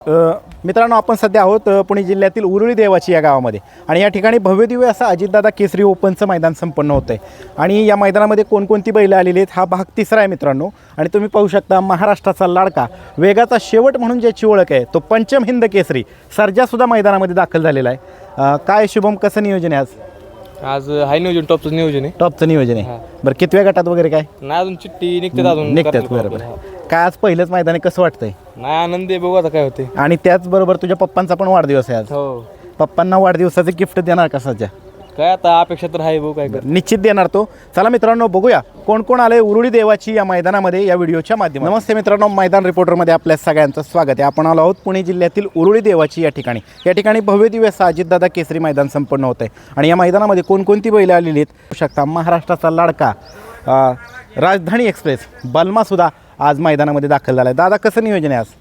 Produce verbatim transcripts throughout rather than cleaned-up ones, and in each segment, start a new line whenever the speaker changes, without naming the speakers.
अ, मित्रांनो आपण सध्या आहोत अ, पुणे जिल्ह्यातील उरुळी देवाची या गावामध्ये आणि या ठिकाणी भव्यदिव्य असं अजितदादा केसरी ओपनचं मैदान संपन्न होतं आहे आणि या मैदानामध्ये कोणकोणती बैलं आलेली आहेत हा भाग तिसरा आहे मित्रांनो. आणि तुम्ही पाहू शकता महाराष्ट्राचा लाडका वेगाचा शेवट म्हणून ज्याची ओळख आहे तो पंचम हिंद केसरी सर्जासुद्धा मैदानामध्ये दाखल झालेला आहे. अ, काय शुभम कसं नियोजन आहे आज?
आज हाय नियोजन टॉपचं नियोजन आहे.
टॉपचं नियोजन आहे. बरं कितव्या गटात वगैरे काय
नाही अजून चिठ्ठी निघते अजून
निघतात
करतील
बरोबर
प्रॉब्लेम.
काय आज पहिलंच मैदान आहे कसं वाटतंय?
नाही आनंद आहे बघू आता काय होते.
आणि त्याचबरोबर तुझ्या पप्पांचा पण वाढदिवस आहे आज.
हो
पप्पांना वाढदिवसाचे गिफ्ट देणार का सध्या?
काय आता अपेक्षा तर आहे बघू काय कर.
निश्चित देणार तो. चला मित्रांनो बघूया कोण कोण आले उरुळी देवाची या मैदानामध्ये या व्हिडिओच्या माध्यमातून. नमस्ते मित्रांनो, मैदान रिपोर्टरमध्ये आपल्या सगळ्यांचं स्वागत आहे. आपण आलो आहोत पुणे जिल्ह्यातील उरुळी देवाची या ठिकाणी. या ठिकाणी भव्य दिव्य असं अजितदादा केसरी मैदान संपन्न होत आहे आणि या मैदानामध्ये कोणकोणती बैलं आलेली आहेत पाहू शकता. महाराष्ट्राचा लाडका अ, राजधानी एक्सप्रेस बलमासुद्धा आज मैदानामध्ये दाखल झाला आहे. दादा कसं नियोजन आहे आज?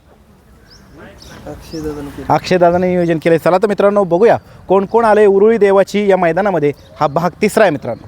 अक्षयदादाने नियोजन केलं. चला तर मित्रांनो बघूया कोण कोण आले उरुळी देवाची या मैदानामध्ये. हा भाग तिसरा आहे मित्रांनो.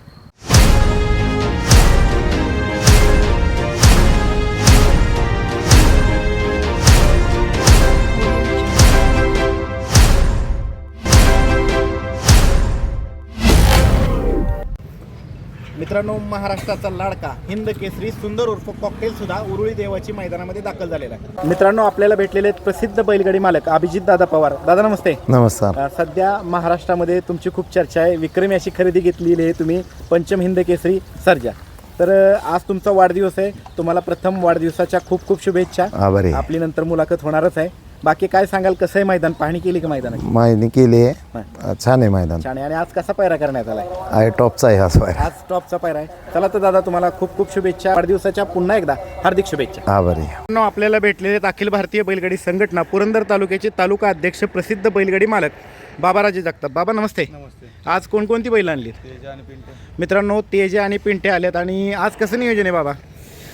मित्रांनो महाराष्ट्राचा लाडका हिंद केसरी सुंदर उर्फ कॉकटेल सुद्धा उरुळी देवाची मैदानामध्ये दाखल झालेला आहे. मित्रांनो आपल्याला भेटलेले आहेत प्रसिद्ध बैलगाडी मालक अभिजित दादा पवार. दादा नमस्ते.
नमस्कार.
अ, सध्या महाराष्ट्रामध्ये तुमची खूप चर्चा आहे. विक्रमी अशी खरेदी घेतलेली आहे तुम्ही पंचम हिंद केसरी सर्जा. तर अ, आज तुमचा वाढदिवस आहे. तुम्हाला प्रथम वाढदिवसाच्या खूप खूप शुभेच्छा.
आभारी.
आपली नंतर मुलाखत होणारच आहे. बाकी काय सांगाल कसं आहे मैदान? पाहणी केली का मैदानाची?
माहिती केली आहे. छान आहे मैदान.
छान आहे. आणि आज कसा पायरा करण्यात आलाय?
आहे टॉपचा आहे हा स्पायर.
आज टॉपचा पायरा आहे. चला तर दादा तुम्हाला खूप खूप शुभेच्छा. वाढदिवसाच्या पुन्हा एकदा हार्दिक शुभेच्छा.
आभारी.
मित्रांनो, आपल्याला भेटलेले आहेत अखिल भारतीय बैलगाडी संघटना पुरंदर तालुक्याचे तालुका अध्यक्ष प्रसिद्ध बैलगाडी मालक बाबाराजे जगताप. बाबा नमस्ते. आज कोणकोणती बैल आणली? मित्रांनो तेजे आणि पिंटे आलेत. आणि आज कसं नियोजन आहे बाबा?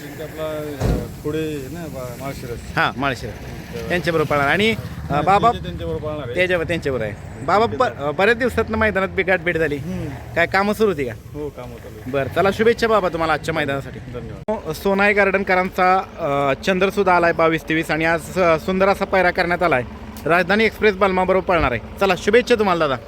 पुढे ना माळशिरस
हां माळशेर त्यांच्याबरोबर पळणार. आणि अ, बाबा
त्यांच्याबरोबर पाळणार आहे.
त्याच्यावर त्यांच्याबरोबर आहे. बाबा ब- बऱ्याच दिवसात मैदानात बिगाट भेट झाली. काय कामं सुरू होती का?
हो काम होतं.
बरं चला शुभेच्छा बाबा तुम्हाला आजच्या मैदानासाठी.
धन्यवाद.
सोनाई गार्डनकरांचा चंद्र सुद्धा आलाय बावीस तेवीस आणि आज अ, सुंदर असा पायरा करण्यात आलाय. राजधानी एक्सप्रेस बलमाबरोबर पळणार आहे. चला शुभेच्छा तुम्हाला दादा.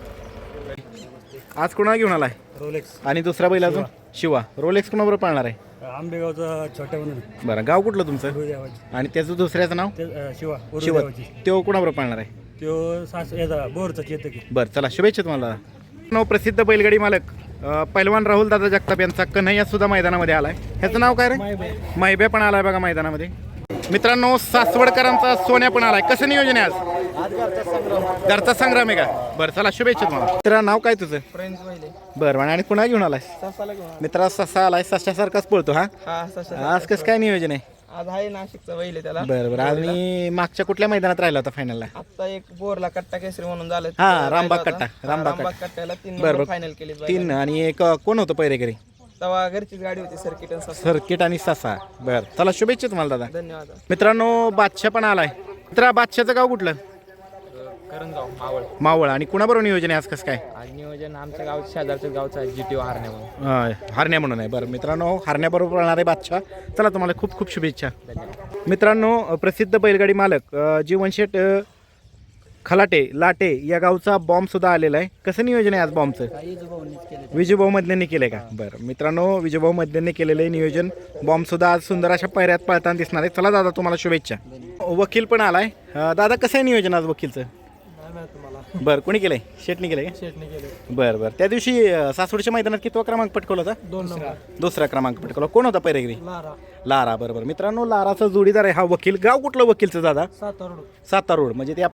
आज कोणाला घेऊन आलाय?
रोलेक्स
आणि दुसरा बैल अजून शिवा. रोलेक्स कोणाबरोबर पळणार आहे?
आंबेगावचा छोट्या म्हणून
बरं गाव कुठलं तुमचं? आणि त्याचं दुसऱ्याचं नाव?
शिवा
शिवा. तो कोणाबरोबर पळणार आहे?
तो सास याचा बोरचा चेतक
बरं चला शुभेच्छा तुम्हाला दादा. नाव प्रसिद्ध बैलगाडी मालक अ, पैलवान राहुल दादा जगताप यांचा कन्हैया सुद्धा मैदानामध्ये आलाय. ह्याचं नाव काय रे? माहिब्या पण आलाय बघा मैदानामध्ये. मित्रांनो सासवडकरांचा सोन्या पण आलाय. कसं नियोजन आहे आज? घरचा संग्राम आहे का? बरं चला शुभेच्छा तुम्हाला. मित्रा नाव काय तुझं? बरं आणि पुन्हा घेऊन आलाय मित्रा? ससा आलाय. सशासारखाच पळतो हा. आज कसं काय नियोजन आहे?
आज आहे नाशिकचा बैल आहे त्याला.
बरं बरं. आणि मागच्या कुठल्या मैदानात राहिला होता फायनलला?
आता एक बोरला कट्टा केसरी म्हणून झालं.
हा रामबाग कट्टा. रामबाग
रामबाग
कट्टा.
कट्ट्याला तीन
बरं,
नंबर
बरं.
फायनल केली.
तीन आणि एक अ, कोण होतं पहिरेकरी?
तेव्हा घरचीच गाडी होती सर्किट आणि ससा.
सर्किट आणि ससा. बरं चला शुभेच्छा तुम्हाला दादा.
धन्यवाद.
मित्रांनो बादशाह पण आलाय. मित्रा बादशाहचं गाव कुठलं?
करंजगाव मावळ.
मावळ. आणि कुणाबरोबर नियोजन आहे आज कसं काय?
आज नियोजन आमच्या गाव शेजारच्या गावचा जी टी ओ हारण्या म्हणून.
अं, हरण्या म्हणून आहे. बरं मित्रांनो हरण्याबरोबर पळणार आहे बादशाह. चला तुम्हाला खूप खूप शुभेच्छा. मित्रांनो अ, प्रसिद्ध बैलगाडी मालक अ, जीवनशेठ अ, खलाटे लाटे या गावचा बॉम्ब सुद्धा आलेला आहे. कसं नियोजन आहे आज बॉम्बचं? विजूभाऊ मधल्यांनी केलंय का? बरं मित्रांनो विजूभाऊ मधल्यांनी केलेलं आहे नियोजन. बॉम्ब सुद्धा आज सुंदर अशा पायऱ्यात पळताना दिसणार आहे. चला दादा तुम्हाला शुभेच्छा. वकील पण आलाय. अ, दादा कसं आहे नियोजन आज वकीलचं? बरं कोणी केलंय? शेटनी केलंय का? बरं बरं. त्या दिवशी अ, सासवडच्या मैदानात कितवा क्रमांक पटकवला होता?
दोन नंबर.
दुसरा क्रमांक पटकवला. कोण होता पैरेगिरी? लारा. बरोबर मित्रांनो लाराचा जोडीदार आहे हा वकील. गाव कुठलं वकीलचं दादा?
सातारा.
सातारा रोड. म्हणजे त्या